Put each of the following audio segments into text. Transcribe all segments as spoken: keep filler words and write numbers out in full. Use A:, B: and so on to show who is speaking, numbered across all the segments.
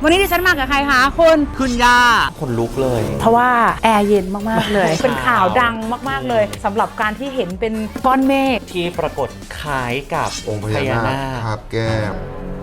A: วันนี้ดิฉันมากับใครคะคุณ
B: คุณย่าคนลุกเลย
A: เพราะว่าแอร์เย็นมากๆเลย เป็นข่าวดังมากๆเลยสำหรับการที่เห็นเป็นก้อนเมฆ
B: ที่ปรากฏคล้ายกับ
C: องค์พญานาคคาบแก้ม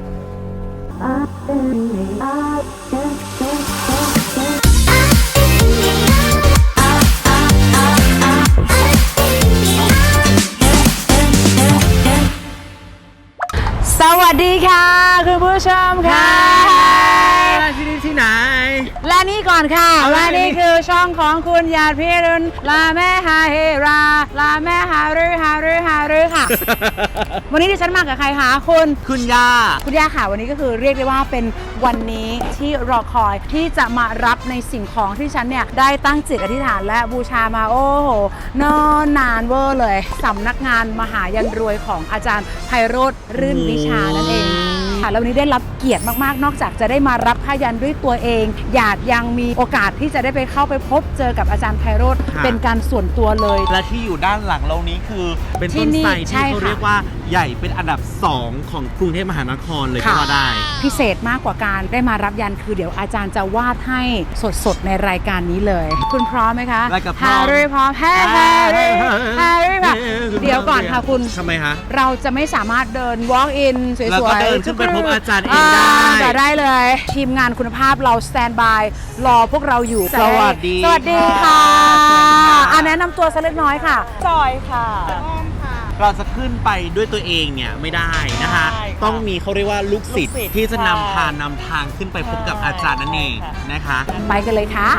A: สวัสดีค่ะคุณผู้ชมค่ะ
B: ที่นี่ที่ไหน
A: และนี่ก่อนค่ะและนี่คือช่องของคุณญาติพี่รุ่นลาแม่ฮาเฮราลาแม่ฮารือฮารือฮารือค่ะ วันนี้ดิฉันมากับใครคะคุณ
B: คุณย่า
A: คุณย่าค่ะวันนี้ก็คือเรียกได้ว่าเป็นวันนี้ที่รอคอยที่จะมารับในสิ่งของที่ฉันเนี่ยได้ตั้งจิตอธิษฐานและบูชามาโอ้โหนอนนานเวอร์เลยสำนักงานมหายันรวยของอาจารย์ไพโรจน์รื่นวิชานั่นเองค่ะแล้ววันนี้ได้รับเกียรติมากๆนอกจากจะได้มารับผ้ายันด้วยตัวเองอยากยังมีโอกาสที่จะได้ไปเข้าไปพบเจอกับอาจารย์ไพโรจน์เป็นการส่วนตัวเลย
B: และที่อยู่ด้านหลังเรานี้คือเป็นต้นไทรที่เขาเรียกว่าใหญ่เป็นอันดับสองของกรุงเทพมหานครเลยก็ว่าได้
A: พิเศษมากกว่าการได้มารับยันคือเดี๋ยวอาจารย์จะวาดให้สดๆในรายการนี้เลยคุณพร้อมไหมคะ
B: ฮา
A: ร์รี่พร้อมแฮร์รี่ฮาร์รี่ค่ะเดี๋ยวก่อนค่ะคุณ
B: ทำไมคะ
A: เราจะไม่สามารถเดิน walk in สวยๆแล้ว
B: ก็เดินขึ้นไปพบอาจารย์เองได้
A: จะได้เลยทีมงานคุณภาพเราสแตนบายรอพวกเราอยู่
B: สวัสดี
A: สวัสดีค่ะอ่ะแนะนำตัวสักเล็กน้อยค่ะ
D: จอยค่ะ
B: เราจะขึ้นไปด้วยตัวเองเนี่ยไม่ได้นะคะต้องมีเขาเรียกว่าลูกศิษย์ที่จะนำพานำทางขึ้นไปพบกับอาจารย์นั่นเองนะคะ
A: ไปกันเลยค่ะ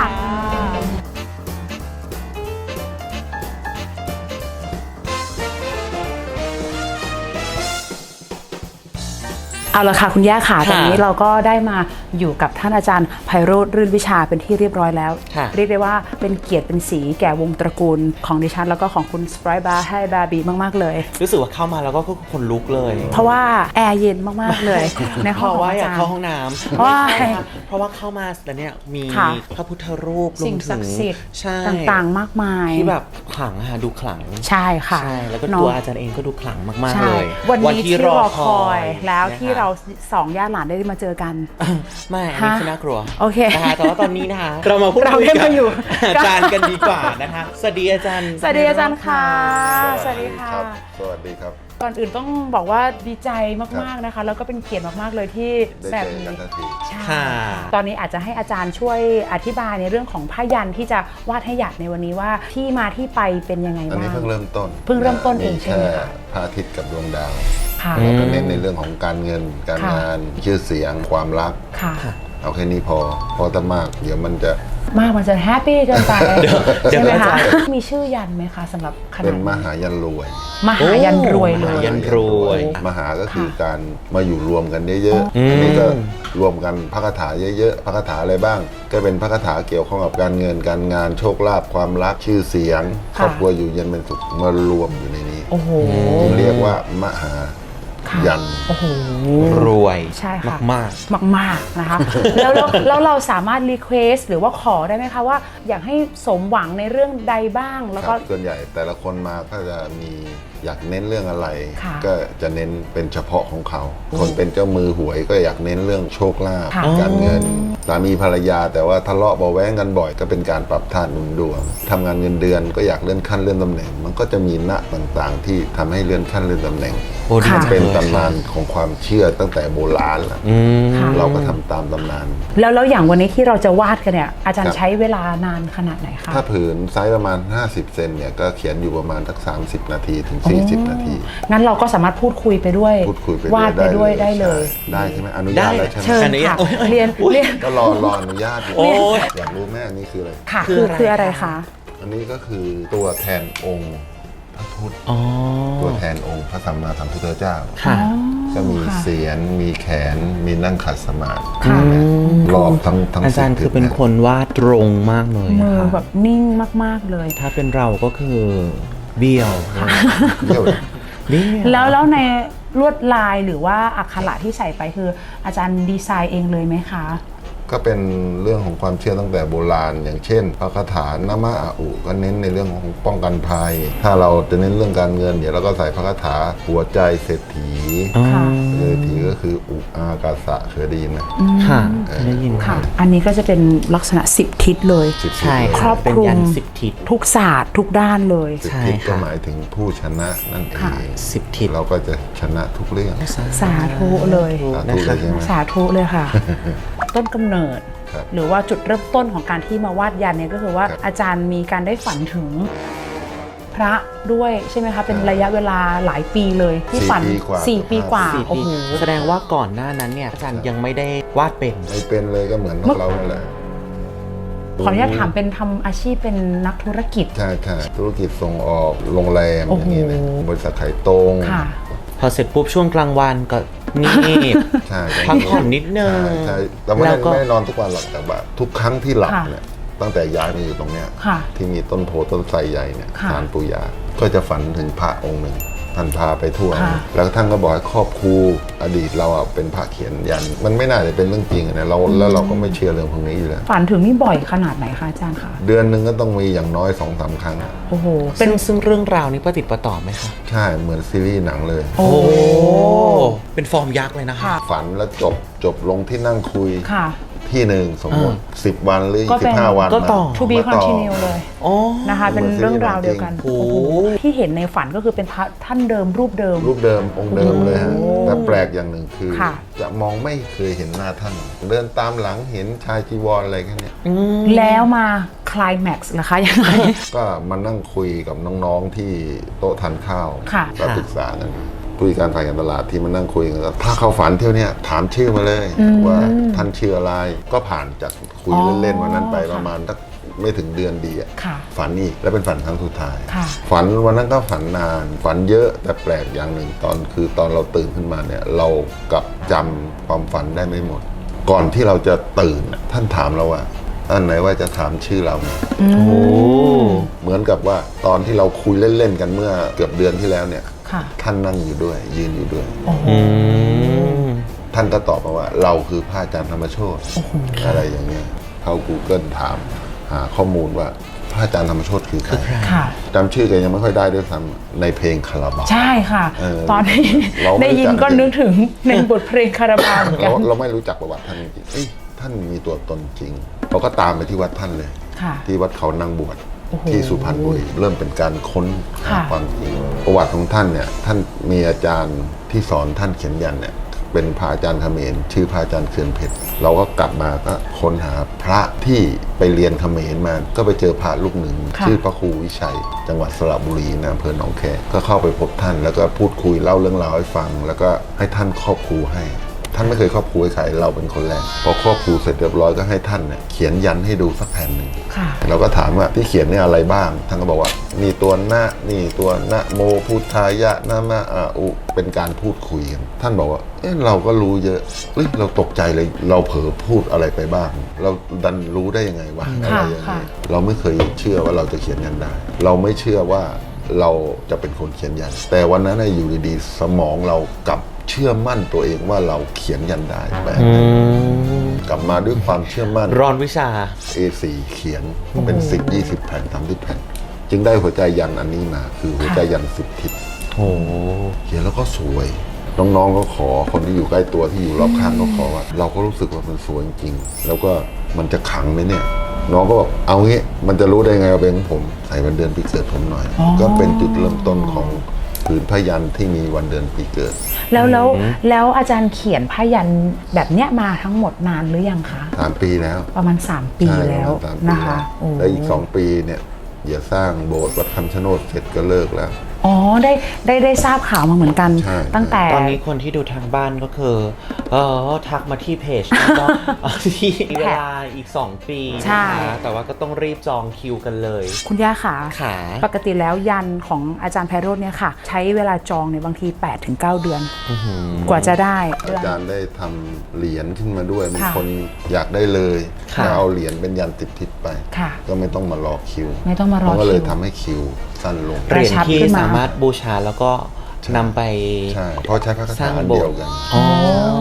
A: เอาละค่ะคุณย่าค่ะตอนนี้เราก็ได้มาอยู่กับท่านอาจารย์ไพโรจน์รื่นวิชาเป็นที่เรียบร้อยแล้วเรียกได้ว่าเป็นเกียรติเป็นสีแก่วงตระกูลของดิฉันแล้วก็ของคุณสไปร์บาร์ให้บาร์บีมากๆเลย
B: รู้สึกว่าเข้ามาแล้วก็คนลุกเลย
A: เพราะว่าแอร์เย็นมากๆเลยในห้อง
B: ว่าอยากเข้าห้องน้ำเพราะว่าเพราะว่าเข้ามาแล้วเนี่ยมีพระพุทธรูป
A: สิ่งศักดิ์สิทธิ์ต่างๆมากมาย
B: ที่แบบขลังค่ะดูขลัง
A: ใช่ค่ะ
B: ใช่แล้วก็ตัวอาจารย์เองก็ดูขลังมากๆเลย
A: วันนี้ที่รอคอยแล้วที่เราสองญาติหลานได้มาเจอกัน
B: ไม่อันนี้คือน่ากลัว
A: โอเค
B: นะคะแต่ว่าตอนนี้นะคะเรามาพูดคุยกับอาจารย์กันดีกว่านะคะสวัสดีอาจารย์
A: สวัสดีอาจารย์ค่ะสวัสดีค่ะ
C: สวัสดีครับ
A: ก่อนอื่นต้องบอกว่าดีใจมากๆนะคะแล้วก็เป็นเกียรติมากๆเลยที่แบบนี้ใช่ตอนนี้อาจจะให้อาจารย์ช่วยอธิบายในเรื่องของผ้ายันที่จะวาดให้หยาดในวันนี้ว่าที่มาที่ไปเป็นยังไงบ้างอัน
C: นี้เพิ่งเริ่มต้น
A: เพิ่งเริ่มต้นเองใช่ไหมคะ
C: พระอาทิตย์กับดวงดาวเราก็เน้นในเรื่องของการเงินการงานชื่อเสียงความรักเอาแค่นี้พอพอแต่มากเดี๋ยวมันจะ
A: มากมันจะแฮปปี้เกินไปใช่ไหมคะมีชื่อยันไหมคะสำหรับขนาด
C: เป็นมหายันรวย
A: มหายันรวยเลย
B: ยันรวย
C: มหาก็คือการมาอยู่รวมกันเยอะๆอันนี้ก็รวมกันพระคาถาเยอะๆพระคาถาอะไรบ้างก็เป็นพระคาถาเกี่ยวข้องกับการเงินการงานโชคลาภความรักชื่อเสียงครอบครัวอยู่เย็นเป็นสุขมารวมอยู่ในนี้จึงเรียกว่ามหายัน
A: โอ้โห
B: รวย
A: ใช่ค่ะ
B: มาก
A: มากมากนะคะแล้วแล้วเราสามารถรีเควสหรือว่าขอได้ไหมคะว่าอยากให้สมหวังในเรื่องใดบ้างแล้วก็
C: ส่วนใหญ่แต่ละคนมาก็จะมีอยากเน้นเรื่องอะไรก็จะเน้นเป็นเฉพาะของเขาคนเป็นเจ้ามือหวยก็อยากเน้นเรื่องโชคลาภการเงินสามีภรรยาแต่ว่าทะเลาะเบาแว้งกันบ่อยก็เป็นการปรับธาตุหนุนดวงทำงานเงินเดือนก็อยากเลื่อนขั้นเลื่อนตำแหน่งมันก็จะมีณต่างๆที่ทำให้เลื่อนขั้นเลื่อนตำแหน่งเป็นตำนานของความเชื่อตั้งแต่โบราณแล้วเราก็ทำตามตำนาน
A: แล้วแล้วอย่างวันนี้ที่เราจะวาดกันเนี่ยอาจารย์ใช้เวลานานขนาดไหนคะ
C: ถ้าผืนไซส์ประมาณห้าสิบเซนเนี่ยก็เขียนอยู่ประมาณสักสามสิบนาทีถึงสี่สิบนาที
A: งั้นเราก็สามารถพูดคุยไปด้วย
C: พูดคุยไป
A: วาดไปด้วยได้เลย
C: ได้ใช่ไหมอนุญาตแล้วใช่ไหม
A: เชิญค่ะเรียนเรียน
C: ก็รอรออนุญาตอยากรู้แม่อันนี้คืออะไร
A: ค่ะคือคืออะไรคะ
C: อันนี้ก็คือตัวแทนองค์พระพุทธตัวแทนองค์พระสัมมาสัมพุทธเจ้าก็มีเสียนมีแขนมีนั่งขัดสมาธิรอบทั้งทั้ง
B: อาจารย์คือเป็นคนวาดตรงมากเลย
A: มือแบบนิ่งมากๆเลย
B: ถ้าเป็นเราก็คือเบี้ยว
A: แล้วแล้วในลวดลายหรือว่าอักขระที่ใส่ไปคืออาจารย์ดีไซน์เองเลยไหมคะ
C: ก็เป็นเรื่องของความเชื่อตั้งแต่โบราณ อย่างเช่นพระคาถานามะอาอุก็เน้นในเรื่องของป้องกันภัย ถ้าเราจะเน้นเรื่องการเงินเดี๋ยวเราก็ใส่พระคาถาหัวใจเศรษฐี
A: ค่ะ
C: เศรษฐีก็คืออุอากาสะเคยได้ยินไหม
B: ค่ะได้ยิน
A: ค่ะ อันนี้ก็จะเป็นลักษณะสิบทิศเลย
C: สิบทิศ
B: ใช่
C: เลย
A: ครอบ
B: เป็น
A: คลุม
B: ยันสิบทิศ
A: ทุกศาสตร์ทุกด้านเลย
C: สิบ
B: ใช่
C: ทิศก็
B: ค่ะ
C: หมายถึงผู้ชนะนั่นเอ
A: ค่ะ
C: ง
B: สิบทิศ
C: เราก็จะชนะทุกเรื่อง
A: สาธุเลย
C: สาธุเลยใช่ไหม
A: สาธุเลยค่ะ ต้นกำเนิด
C: ครับ
A: หรือว่าจุดเริ่มต้นของการที่มาวาดยันเนี่ยก็คือว่า
C: ครับ
A: อาจารย์มีการได้ฝันถึงพระด้วยใช่ไหมคะเป็นระยะเวลาหลายปีเลยที่ฝัน
C: สี่ปีกว่า
A: สี่ปีกว่า
B: สี่
A: โอ้
B: ปี
A: โห
B: แสดงว่าก่อนหน้านั้นเนี่ยอาจารย์ยังไม่ได้วาดเป็น
C: ไม่เป็นเลยก็เหมือนพวกเรานั่นแหละ
A: ขออนุญาตถามเป็นทำอาชีพเป็นนักธุรกิจ
C: ใช่ใช่ธุรกิจส่งออกโรงแรม
A: โอ้
C: อ
A: โห
C: ย่างนี้นะบริษัทขายตรง
A: ค่ะ
B: พอเสร็จปุ๊บช่วงกลางวันก็นี่
C: ใช่
B: พักผ่อนนิดนึง
C: ใช่ใช่แต่ไม่
B: แล้
C: ได้
B: วก็
C: ไม่ได้นอนทุกวันหรอกแต่แบบทุกครั้งที่หลับ
A: ค่ะ
C: เนี่ยตั้งแต่ย้ายมาอยู่ตรงเนี้ย
A: ค่ะ
C: ที่มีต้นโพต้นไทรใหญ่เนี่ย
A: ค่ะ
C: ศาลปู่ย่าก็จะฝันถึงพระองค์หนึ่งท่านพาไปทั่ว
A: ค่ะ
C: แล้วท่านก็บอกให้ครอบครูอดีตเราอ่ะเป็นพระเขียนยัน มันไม่น่าจะเป็นเรื่องจริงอะนะเราแล้วเราก็ไม่เชื่อเรื่องพวกนี้อยู่แล้ว
A: ฝันถึงนี่บ่อยขนาดไหนคะอาจารย์คะ
C: เดือนหนึ่งก็ต้องมีอย่างน้อยสองสามครั้งอะ
A: โอ้โห
B: เป็
A: เป็น น
B: ซึ่งเรื่องราวนี้ประติดประต่อไหมคะ
C: ใช่เหมือนซีรีส์หนังเลย
A: โอ้
B: โอ้เป็นฟอร์มยักษ์เลยนะคะ
A: ค่ะ
C: ฝันแล้วจบจบลงที่นั่งคุย
A: ค่ะ
C: ที่หนึ่งสมมติสิบวันหรือ
A: ก็เป็น
C: สิบห้าวัน
B: ก็ต่อ
A: to be
C: มาต่อ
A: continue เลย
B: โอ้
A: นะคะ เป็นเรื่องราวเดียวกัน
B: โอ้โห
A: โอ้โหที่เห็นในฝันก็คือเป็นพระท่านเดิมรูปเดิม
C: รูปเดิมองค์เดิมเลยฮะ
A: โอ้
C: แต่แปลกอย่างหนึ่งคือ
A: ค่ะ
C: จะมองไม่เคยเห็นหน้าท่าน เดินตามหลังเห็นชายจีวรอะไรแค่เนี้ย
A: แล้วมาคลายแม็กซ์ล่ะคะยังไง
C: ก็มานั่งคุยกับน้องๆที่โต๊ะทานข้าว
A: ค่ะ
C: ก็ปรึกษากันผู้จัดการฝ่ายการตลาดที่มานั่งคุยกันก็ถ้าเข้าฝันเที่ยวเนี้ยถามชื่อมาเลย ว่าท่านชื่ออะไรก็ผ่านจากคุย
A: อ๋อ
C: เล่นๆวันนั้นไป
A: ค่ะ
C: ประมาณสักไม่ถึงเดือนดีอะ
A: ค่ะ
C: ฝันอีกแล้วเป็นฝันครั้งสุดท้าย
A: ค่ะ
C: ฝันวันนั้นก็ฝันนาน ฝันเยอะแต่แปลกอย่างหนึ่งตอนคือตอนเราตื่นขึ้นมาเนี่ยเรากลับจำความฝันได้ไม่หมด ก่อนที่เราจะตื่นน่ะท่านถามเราว่าอันไหนว่าจะถามชื่อเราเนี่ย
B: โอ้
C: เหมือนกับว่าตอนที่เราคุยเล่นๆกันเมื่อเกือบเดือนที่แล้วเนี่ย
A: ค่ะ
C: ท่านนั่งอยู่ด้วย ยืนอยู่ด้วย
B: อืม
C: ท่านก็ตอบมาว่าเราคือพระอาจารย์ธรรมโชติอะไรอย่างเงี้ยเข้า Google ถามหาข้อมูลว่าพระอาจารย์ธรรมโชติคือใคร
A: ค่ะ
C: จำชื่อแกยังไม่ค่อยได้ด้วยซ้ำในเพลงคาราบาว
A: ใช่ค่ะ
C: เออ
A: ตอนนี้
C: เราไม่
A: ได้ยิน
C: รู้จัก
A: ก็นึกถึงในบทเพลงคาราบาวเหมือนกั
C: เรา
A: น
C: เราไม่รู้จักประวัติท่านจริงๆเอ้ยท่านมีตัวตนจริงเราก็ตามไปที่วัดท่านเลย
A: ค่ะ
C: ที่วัดเขานางบวช
A: โอ้โห
C: ที่สุพรรณบุรีเริ่มเป็นการค้นหา
A: ค่ะ
C: ความจริงประวัติของท่านเนี่ยท่านมีอาจารย์ที่สอนท่านเขียนยันเนี่ยเป็นพระอาจารย์เขมรชื่อพระอาจารย์เขื่อนเพชรเราก็กลับมาก็ค้นหาพระที่ไปเรียนเขมรมาก็ไปเจอพระลูกหนึ่ง
A: ค่ะ
C: ชื่อพระครูวิชัย จังหวัดสระบุรีนะอำเภอหนองแคก็เข้าไปพบท่าน แล้วก็พูดคุยเล่าเรื่องราวให้ฟัง แล้วก็ให้ท่านครอบครูให้ ท่านไม่เคยครอบครูให้ใครเราเป็นคนแรกพอครอบครูเสร็จเรียบร้อยก็ให้ท่านเนี่ยเขียนยันให้ดูสักแผ่นหนึ่ง
A: ค่ะ
C: เราก็ถามว่าที่เขียนเนี่ยอะไรบ้าง ท่านก็บอกว่านี่ตัวนะนี่ตัวนะโมพุทธายะนะมะอาอุเป็นการพูดคุยกันท่านบอกว่าเอ๊ะเราก็รู้เยอะเอ้ยเราตกใจเลยเราเผลอพูดอะไรไปบ้าง เราดันรู้ได้ยังไงวะอะไรอย่าง
A: ค่ะ
C: เงี้ยเราไม่เคยเชื่อว่าเราจะเขียนยันได้ เราไม่เชื่อว่าเราจะเป็นคนเขียนยัน แต่วันนั้นน่ะอยู่ดีๆสมองเรากลับเชื่อมั่นตัวเองว่าเราเขียนยันได้แปลก
B: อืม
C: กลับมาด้วยความเชื่อมั่น
B: ร้อนวิชา
C: เอ โฟร์ เขียนเป็นสิบ ยี่สิบแผ่นสามสิบแผ่น จึงได้หัวใจยันอันนี้มาคือหัวใจยันสิบทิศ
B: โอ้
C: เขียนแล้วก็สวย น้องๆก็ขอคนที่อยู่ใกล้ตัวที่อยู่รอบข้างก็ขอว่าเราก็รู้สึกว่ามันสวยจริงๆแล้วก็มันจะขังไหมเนี่ย น้องก็บอกเอางี้มันจะรู้ได้ไงว่าเป็นของผมใส่วันเดือนปีเกิดผมหน่อย
A: อ๋อ
C: ก็เป็นจุดเริ่มต้นของผืนพยันที่มีวันเดือนปีเกิด
A: แล้วแล้วแล้วอาจารย์เขียนพยันแบบเนี้ยมาทั้งหมดนานหรือยังคะ
C: สามปีแล้ว
A: ประมาณสามปี
C: ใช่
A: แล้ว
C: ประมาณสามปี
A: นะคะโอ้
C: แล้วอีกสองปีเนี่ยเดี๋ยวสร้างโบสถ์วัดคำชะโนดเสร็จก็เลิกแล้ว
A: อ๋อได้ได้ได้ทราบข่าวมาเหมือนกัน
C: ใช่
A: ตั้งแต่
B: ตอนนี้คนที่ดูทางบ้านก็คือเออทักมาที่เพจแล้วก็ ที่เวลาอีก สอง ปี
A: ใช่
B: นะคะแต่ว่าก็ต้องรีบจองคิวกันเลย
A: คุณย่าขา
B: ขา
A: ปกติแล้วยันของอาจารย์ไพโรจน์เนี่ยค่ะ ใช้เวลาจองเนี่ยบางที แปดถึงเก้า เดือน กว่าจะได้
C: อาจารย์ได้ทำเหรียญขึ้นมาด้วยมี
A: ค่ะ
C: คนอยากได้เลย
B: ค่ะ
C: ก็เอาเหรียญเป็นยันติดทิศไป
A: ค่ะ
C: ก็ไม่ต้องมารอคิว
A: ไม่ต้องมารอ
C: เขาก็เลย
A: คิว
C: ทำให้คิวสั้นลง
A: ก
B: เห
A: ระ
B: รียญ
A: ชับ
B: ที่
A: ขึ้นมา
B: สามารถบูชาแล้วก็นำไป
C: ใช่เพราะใช้พระคา
B: สร้า
C: ถาง อัน
B: โบ
C: เดี
B: ส
C: ยว
B: ถ์
C: กัน
B: อ๋อ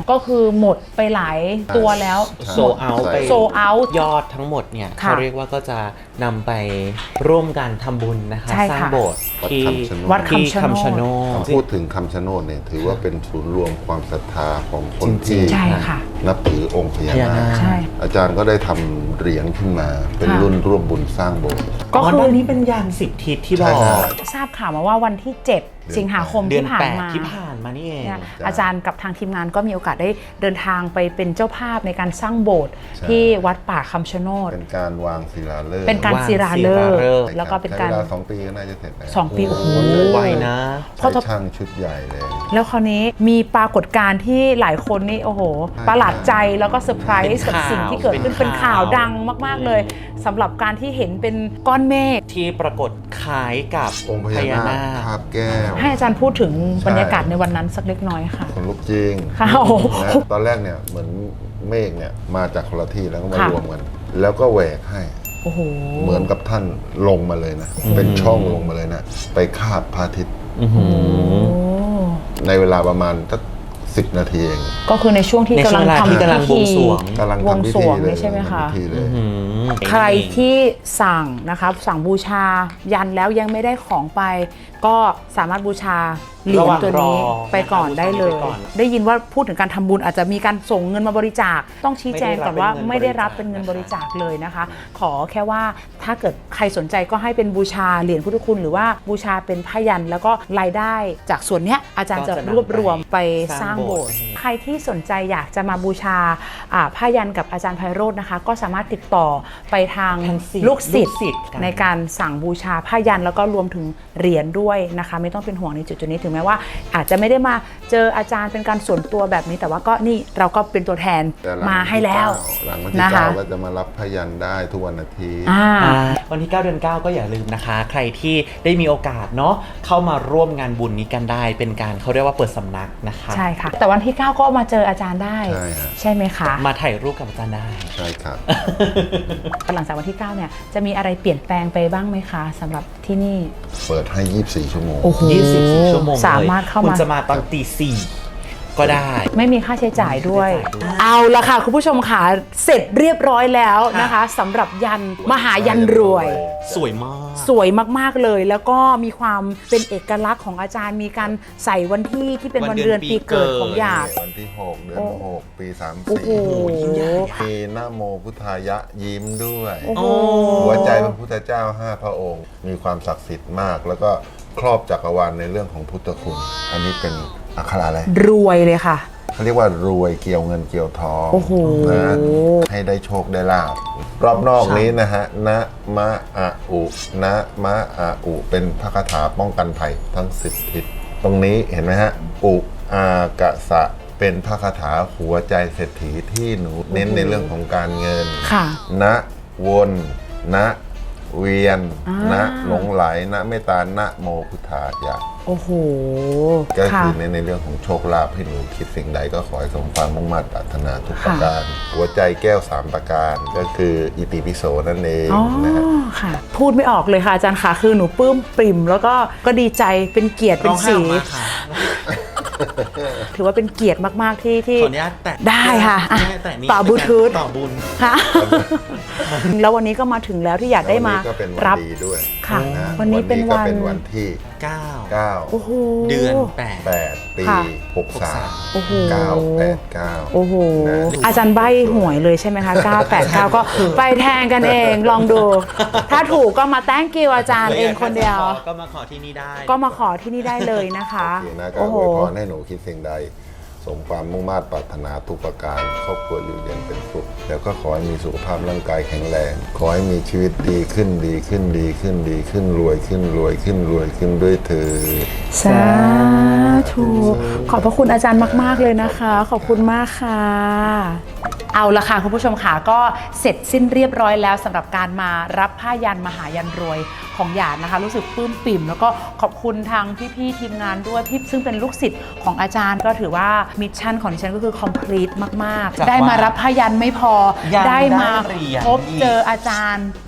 A: ก็คือหมดไปหลายตัวแล้ว
B: โซเอาไป
A: โซเอาท์
B: ยอดทั้งหมดเนี่ย
A: ค่ะ
B: เขาเรียกว่าก็จะนำไปร่วมกันทำบุญนะคะ
A: ใช่
B: สร้าง
A: ค่ะ
B: โบสถ์ที่
C: วัด
A: คำชะโนด
B: ที่คำชะโนด
C: พูดถึงคำชะโนดเนี่ยถือว่าเป็นศูนย์รวมความศรัทธาของคน
B: จริ
C: ที่
B: งๆ
A: ใช่ค่ะ
C: นับถือองค์พญา
B: พญา
C: นา
B: นา
C: ค
B: ค
A: ใช่
C: อาจารย์ก็ได้ทำเหรียญขึ้นมา เป็น
A: ค่ะ
C: รุ่นร่วมบุญสร้างโบสถ์
A: ก็คือ
B: ด้านนี้เป็นยานสิบทิศที่บ
C: ใช่
B: อก
C: ฮะ
A: ทราบข่าวมาว่าวันที่ เจ็ด สิงหาคม
B: เดือ
A: ที่
B: น
A: ผ่า
B: แป
A: น
B: ด
A: มา
B: ที่ผ่านมานี่เอง
A: เนี่ย
C: จ้ะ
A: อาจารย์กับทางทีมงานก็มีโอกาสได้เดินทางไปเป็นเจ้าภาพในการสร้างโบสถ์
C: ใช่
A: ที่วัดป่าคำชะโนด
C: เป็นการวางศิลาฤกษ์
A: เป็นการ
B: วาง
A: ศิลาฤก
B: ศิลาฤกษ์
A: ษ์แล้วก็เป็นการ
C: ใช้เวลาสองปีก็น่าจะเสร็จแล้ว
A: สองปีโอ้โห
B: ไวนะ
A: เพราะ
C: ใช้ช่างชุดใหญ่เลย
A: แล้วคราวนี้มีปรากฏการณ์ที่หลายคนนี่โอ้โห ประหลาดใจแล้วก็เซอร์ไพรส์กับสิ่งที่เกิดขึ้น
B: เป็
A: เป็น
B: น
A: ข่า
B: ข่าว ว
A: ดังมากๆเลยสำหรับการที่เห็นเป็นก้อนเมฆ
B: ที่ปรากฏคล้ายกับ
C: องค์พญานาคคาบแก้ว
A: ให้อาจารย์พูดถึง
C: ใช่
A: บรรยากาศในวันนั้นสักเล็กน้อยค่ะ
C: คนลุกจริง
A: ค่ะโอ้โห
C: นะตอนแรกเนี่ยเหมือนเมฆเนี่ยมาจากคนละที่แล้วก็มา
A: ค่ะ
C: รวมกัน แล้วก็แหวกให้
A: โอ้โห
C: เหมือนกับท่านลงมาเลยนะ เป็นช่องลงมาเลยนะ ไปคาบพระอาทิตย์
B: อื้อหือ
A: โอ้
C: ในเวลาประมาณสักสิบนาทีเอง
A: ก็คือในช่วงที่
B: ใน
A: กำ
B: ช่
A: ลั
B: ว
A: ง
B: งเวลา
A: ทำ
B: ที่กำลังบวงสรวง
C: กำลัง
A: วง
C: ทำพิ
A: สร
C: ธี
A: วง
C: เลย
A: นี่ใช่ไหมคะ
C: ทำพิธีเลย
B: อื้อหือ
A: ใครที่สั่งนะครับสั่งบูชายันแล้วยังไม่ได้ของไป ก็สามารถบูชาเหรียญตัวนี้
B: ระหว่างรอ
A: ไปก่อนได้เลย
B: ไปก่อน
A: ได้ยินว่าพูดถึงการทำบุญอาจจะมีการส่งเงินมาบริจาค ต้องชี้แจงก่อนว่า
B: ไม่
A: ไม่
B: ได้
A: ได้
B: รั
A: รั
B: บบ เป็
A: เป็น
B: นเงิ
A: เงิน
B: น
A: บบ
B: ริ
A: ริ
B: จา
A: จา
B: ค
A: คเลยนะคะ ขอแค่ว่าถ้าเกิดใครสนใจก็ให้เป็นบูชาเหรียญพุทธคุณหรือว่าบูชาเป็นผ้ายันแล้วก็รายได้จากส่วนเนี้ยอาจารย์จะรวบรวมไปสร้างโบสถ์ใครที่สนใจอยากจะมาบูชาอ่าผ้ายันกับอาจารย์ไพโรจน์นะคะ ก็สามารถติดต่อไปทาง
B: ทางศิษย์
A: ลูกศิษย์
B: ลูกศิษย์กัน
A: ในการสั่งบูชาผ้ายันแล้วก็รวมถึงเหรียญด้วยนะคะ ไม่ต้องเป็นห่วงในจุดๆนี้ถึงแม้ว่าอาจจะไม่ได้มาเจออาจารย์เป็นการส่วนตัวแบบนี้แต่ว่าก็นี่เราก็เป็นตัวแทน
C: แต่หลัง
A: มาให้แล้ว
C: หลังวันที่
A: นะคะ
C: เก้าก็จะมารับพยันได้ทุกวันอาทิตย์
A: อ่า
B: อ่าวันที่ เก้า เดือน เก้า ก็อย่าลืมนะคะ ใครที่ได้มีโอกาสเนาะเข้ามาร่วมงานบุญนี้กันได้ เป็นการเขาเรียกว่าเปิดสำนักนะคะ
A: ใช่ค่ะ แต่วันที่เก้าก็มาเจออาจารย์ได้
C: ใช่ฮะ
A: ใช่ไหมคะ
B: มาถ่ายรูปกับอาจารย์ได้
C: ใช่ครับ
A: หลังจากวันที่เก้าเนี่ยจะมีอะไรเปลี่ยนแปลงไปบ้างไหมคะสำหรับที่นี่
C: เปิดให้ยี่สิบสี่ชั่วโมง
A: โอ้โห
B: ยี่สิบสี่ชั่วโมงเลย
A: สามารถเข้า
B: คุณ
A: มา
B: จะมาตอนตีสี่ก็ได้
A: ไม่มีค่าใช้จ่ายด้วย
B: ไม่มีค่าใช้จ่ายด้วย
A: เอาละค่ะคุณผู้ชมค่ะเสร็จเรียบร้อยแล้วนะคะสำหรับยันมหายันรวย
B: สวยมาก
A: สวยมากๆเลย แล้วก็มีความเป็นเอกลักษณ์ของอาจารย์มีการใส่วันที่ที่เป็นวันเดือนปีเกิดของหยาด
C: วันที่หกเดือนหกปีสาม
A: โอ้โห
C: สี่มีนะโมพุทธายะยิ้มด้วย
A: โอ้โห
C: หัวใจพระพุทธเจ้าห้าพระองค์ มีความศักดิ์สิทธิ์มาก แล้วก็ครอบจักรวาลในเรื่องของพุทธคุณ อันนี้เป็นอักขระอะไร
A: รวยเลยค่ะ
C: เขาเรียกว่ารวยเกี่ยวเงินเกี่ยวทอง
A: โอ้โห
C: นะให้ได้โชคได้ลาบรอบนอกนี้นะฮะนะมะอะอุนะมะอะอุเป็นพระคาถาป้องกันภัยทั้งสิบทิศตรงนี้เห็นไหมฮะอุอากะสะเป็นพระคาถาหัวใจเศรษฐีที่หนูเน้นในเรื่องของการเงิน
A: ค่ะ
C: นะวนนะเวียน
A: อ่า
C: นะหลงไหลนะเมตตานะโมพุทธายะ
A: โอ้โห
C: ก็
A: ค่ะ
C: คือในในเรื่องของโชคลาภให้หนูคิดสิ่งใดก็ขอให้สมความมุ่งมั่นปรารถนาทุกประการ หัวใจแก้วสามประการก็คืออิติปิโสนั่นเอง
A: อ๋อ
C: นะฮะ
A: ค่ะ พูดไม่ออกเลยค่ะอาจารย์ค่ะคือหนูปลื้มปริ่ม แล้วก็ก็ดีใจเป็นเกียรติเป็
B: ร้
A: น
B: องไห้
A: สี
B: ออกมาค่ะ
A: ถือว่าเป็นเกียรติมากๆที่ที่
B: ขออนุญาตแตะ
A: ได้ค่ะอ่ะ
B: แม่แตะนี่
A: ต่อบลูทูธ
B: ต่อบุญ
A: ค่ะ แล้ววันนี้ก็มาถึงแล้วที่อยากได้มา
C: วันนี้ก็เป็นวัน
A: รับ
C: ดีด้วย
A: ค่ะ
C: นะ
A: วันนี้เป็น
C: ก็
A: วัน
C: เป็นวันที่
B: เก้า
C: เก้า
A: โอ้โห
B: เดือนแปด
C: แปดปี
A: ค่ะ
C: หกสาม
A: โอ้โห
C: เก้าแปดเก้า
A: โอ้โห
C: นะ
A: อาจารย์ใบ้หวยเลยใช่ไหมคะ เก้า แปด เก้า ก็ไปแทงกันเองลองดู ถ้าถูกก็มาแต้งกิวอาจารย์เองคนเดียว
B: ก็มาขอที่นี่ได้
A: ก็มาขอที่นี่ได้เลยนะคะ
C: โอเคนะก็
A: โอ้โห
C: อวยพรให้หนูคิดสิ่งใด สมความมุ่งมั่นปรารถนาทุกประการครอบครัวอยู่เย็นเป็นสุขแล้วก็ขอให้มีสุขภาพร่างกายแข็งแรง ขอให้มีชีวิตดีขึ้นดีขึ้นดีขึ้นดีขึ้นรวยขึ้นรวยขึ้นรวยขึ้นด้วยเถิด
A: สาธุขอบพระคุณอาจารย์มาก ๆ เลยนะคะ ขอบคุณมากค่ะ เอาละค่ะคุณผู้ชมค่ะก็เสร็จสิ้นเรียบร้อยแล้วสำหรับการมารับผ้ายันมหายันรวยของหยาดนะคะ รู้สึกปลื้มปิ่ม แล้วก็ขอบคุณทางพี่ๆทีมงานด้วยพี่ซึ่งเป็นลูกศิษย์ของอาจารย์ก็ถือว่ามิชชั่นของดิฉันก็คือ complete มาก
B: จาก
A: ๆ ได้มารับผ้ายันไม่พอ
B: ยัง
A: ได้มา
B: ได้เหรียญ
A: พบ
B: อีก
A: เจออาจารย์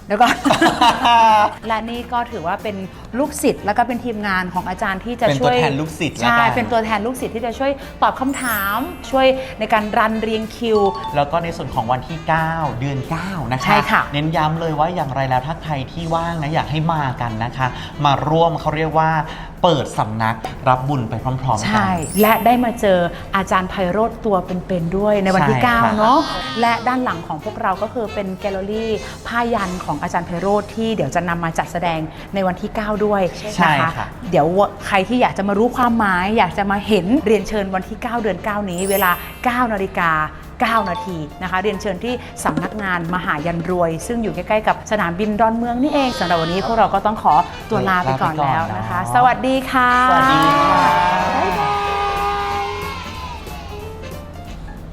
A: เดี๋ยวก่อน และนี่ก็ถือว่าเป็นลูกศิษย์แล้วก็เป็นทีมงานของอาจารย์ที่จะ
B: เป็น
A: ช่
B: ตัว
A: วย
B: แทนลูกศิษย์แล้ว
A: ใช่
B: กัน
A: เป็นตัวแทนลูกศิษย์ที่จะช่วยตอบคำถาม ช่วยในการรันเรียงคิว
B: แล้วก็ในส่วนของวันที่ เก้า เดือน เก้า นะคะ
A: ใช่ค่ะ
B: เน้นย้ำเลยว่าอย่างไรแล้วถ้าใครที่ว่างนะอยากให้มากันนะคะ มาร่วมเขาเรียกว่าเปิดสำนักรับบุญไปพร้อมๆกั
A: ใช่ และได้มาเจออาจารย์ไพโรจน์ตัวเป็นๆด้วยในวันที่
B: ใช่
A: เก้า
B: ค่ะ
A: เนาะและด้านหลังของพวกเราก็คือเป็นแกลเลอรี่ผ้ายันของอาจารย์ไพโรจน์ที่เดี๋ยวจะนำมาจัดแสดงในวันที่ เก้า ด้วย
B: ใช่
A: นะคะ
B: ค่ะ
A: เดี๋ยวใครที่อยากจะมารู้ความหมาย อยากจะมาเห็นเรียนเชิญวันที่ เก้า เดือน เก้า นี้เวลา เก้า นาฬิกา เก้า นาทีนะคะ เรียนเชิญที่สำนักงานมหายันรวย ซึ่งอยู่ใกล้ๆกับสนามบินดอนเมืองนี่เองสำหรับวันนี้พวกเราก็ต้องขอตัวลาไปก่อนแล้วนะคะ สวัสดีค่ะ
B: สวัสดีค่ะ
A: บ๊ายบาย